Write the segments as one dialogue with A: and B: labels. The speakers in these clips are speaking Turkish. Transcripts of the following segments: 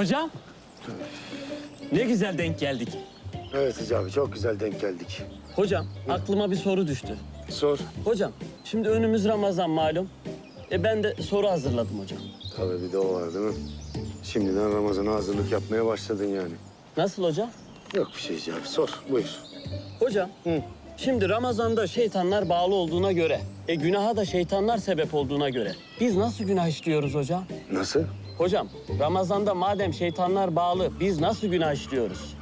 A: Hocam. Ne güzel denk geldik.
B: Evet Hicabi, çok güzel denk geldik.
A: Hocam aklıma bir soru düştü.
B: Sor.
A: Hocam şimdi önümüz Ramazan malum. Ben de soru hazırladım hocam.
B: Tabii bir de o var değil mi? Şimdiden Ramazan'a hazırlık yapmaya başladın yani.
A: Nasıl hocam?
B: Yok bir şey Hicabi, sor. Buyur.
A: Hocam şimdi Ramazan'da şeytanlar bağlı olduğuna göre, günaha da şeytanlar sebep olduğuna göre biz nasıl günah işliyoruz hocam?
B: Nasıl?
A: Hocam Ramazan'da madem şeytanlar bağlı biz nasıl günah işliyoruz?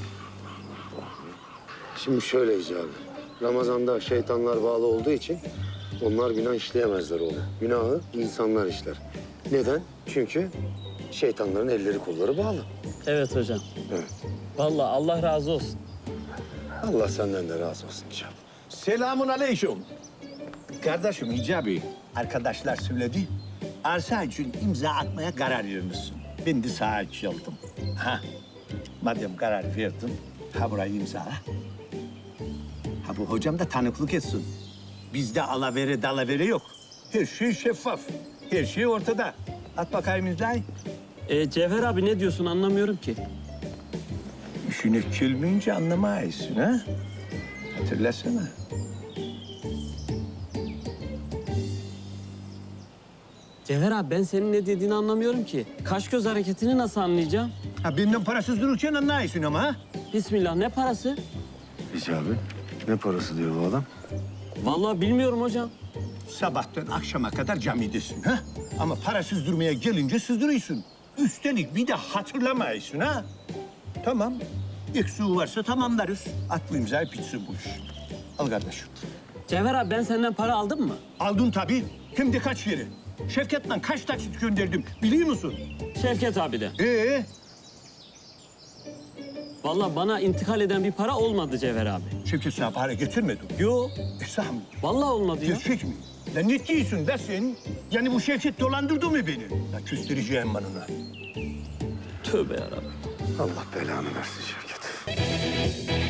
B: Şimdi şöyle Hicabi. Ramazan'da şeytanlar bağlı olduğu için onlar günah işleyemezler oğlum. Günahı insanlar işler. Neden? Çünkü şeytanların elleri kolları bağlı.
A: Evet hocam.
B: Evet.
A: Vallahi Allah razı olsun.
B: Allah senden de razı olsun Hicabi.
C: Selamun aleyküm. Kardeşim Hicabi, arkadaşlar söyledi. Arsa için imza atmaya karar vermişsin. Ben de sağa geldim. Ha, madem karar verdin, ha burayı imzala. Ha bu hocam da tanıklık etsin. Bizde alavere dalavere yok. Her şey şeffaf. Her şey ortada. At bakayım imzayı.
A: Cevher abi ne diyorsun anlamıyorum ki.
C: İşine gelmeyince anlamayısın ha? Hatırlasana.
A: Cevher abi ben senin ne dediğini anlamıyorum ki. Kaş göz hareketini nasıl anlayacağım?
C: Ha benden parasız dururken anlayısın ama ha?
A: Bismillah ne parası?
B: Hicabi, ne parası diyor bu adam?
A: Vallahi bilmiyorum hocam.
C: Sabahtan akşama kadar camidesin ha? Ama parasız durmaya gelince sızdırıyorsun. Üstelik bir de hatırlamayısın ha? Tamam. Eksiği varsa tamamlarız. At bu imzayı bitsin bu iş. Al kardeşim.
A: Cevher abi ben senden para aldım mı?
C: Aldın tabii. Hem de kaç yeri. Şevket'le kaç taksit gönderdim biliyor musun?
A: Şevket abi de. Vallahi bana intikal eden bir para olmadı Cevher abi.
C: Şevket sana para getirmedi.
A: Yo,
C: Esam.
A: vallahi olmadı ya.
C: Gerçek mi? Ya ne diyorsun be sen? Yani bu Şevket dolandırdı mı beni? Ya küstüreceğim ben ona.
A: Tövbe yarabbim.
B: Allah belanı versin Şevket.